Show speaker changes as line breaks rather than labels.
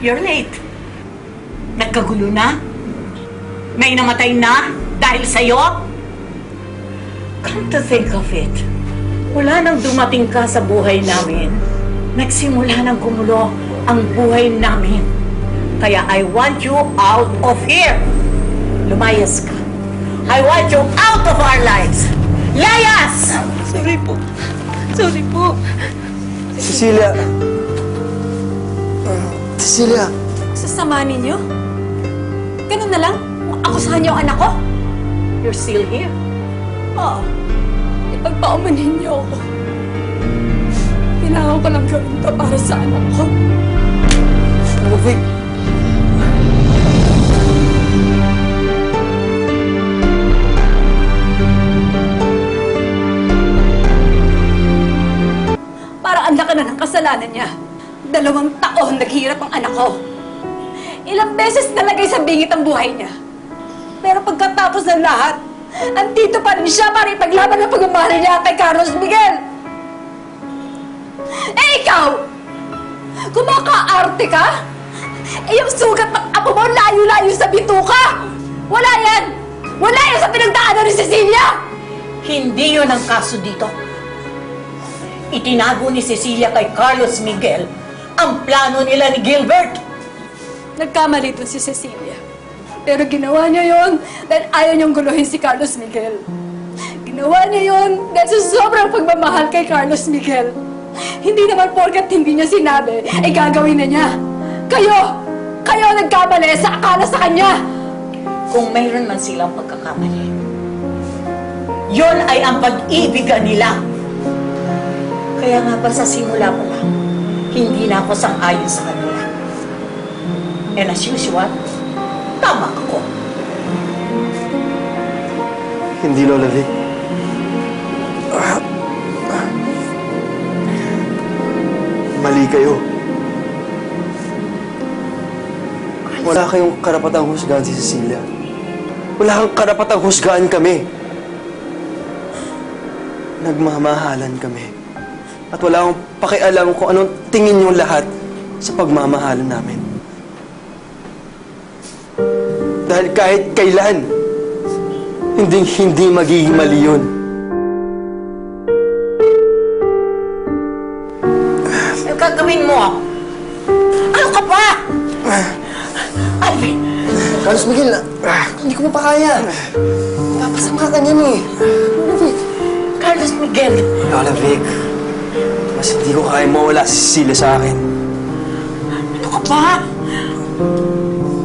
You're late. Nagkagulo na? May namatay na dahil sa'yo? Come to think of it, wala nang dumating ka sa buhay namin. Nagsimula nang gumulo ang buhay namin. Kaya I want you out of here. Lumayas ka. I want you out of our lives. Layas!
Sorry po. Sorry po.
Cecilia! Cecilia!
Sasama ninyo? Ganun na lang? Akusahan niyo ang anak ko?
You're still here.
Oo. Ipagpaumanin niyo ako. Kailangan ko lang gawin to para sa anak ko.
Vic!
Para ang laki na ng kasalanan niya. 2 taon naghihirap ang anak ko. Ilang beses nalagay sa bingit ang buhay niya. Pero pagkatapos ng lahat, andito pa rin siya para ipaglaban ang pagmamahal niya kay Carlos Miguel. Eh ikaw! Kumakaarte ka? Eh yung sugat ng apo mo layo-layo sa bituka! Wala yan! Wala yan sa pinagdaanan ni Cecilia!
Hindi yun ang kaso dito. Itinago ni Cecilia kay Carlos Miguel ang plano nila ni Gilbert.
Nagkamali doon si Cecilia. Pero ginawa niya yon dahil ayaw niyang guluhin si Carlos Miguel. Ginawa niya yon dahil sa sobrang pagmamahal kay Carlos Miguel. Hindi naman porkat hindi niya sinabi, ay gagawin na niya. Kayo nagkamali sa akala sa kanya.
Kung mayroon man silang pagkakamali, yon ay ang pag-ibigan nila. Kaya nga ba sa simula pa lang, hindi na ako sang-ayon sa kanila. And as usual, tama ako.
Hindi, Lola Vic. Mali kayo. Wala kayong karapatang husgahan si Cecilia. Wala kang karapatang husgahan kami. Nagmamahalan kami. At wala akong pakialam kung anong tingin yung lahat sa pagmamahalan namin. Dahil kahit kailan, hindi magiging mali yun.
Ano gagawin mo? Ano ka ba? Alvin!
Carlos Miguel, hindi ko mapakaya. Napasama ka niyan eh.
Carlos Miguel!
Lola Vic, mas hindi ko kaya mawala si Cecilia sa akin.
Ano ka ba?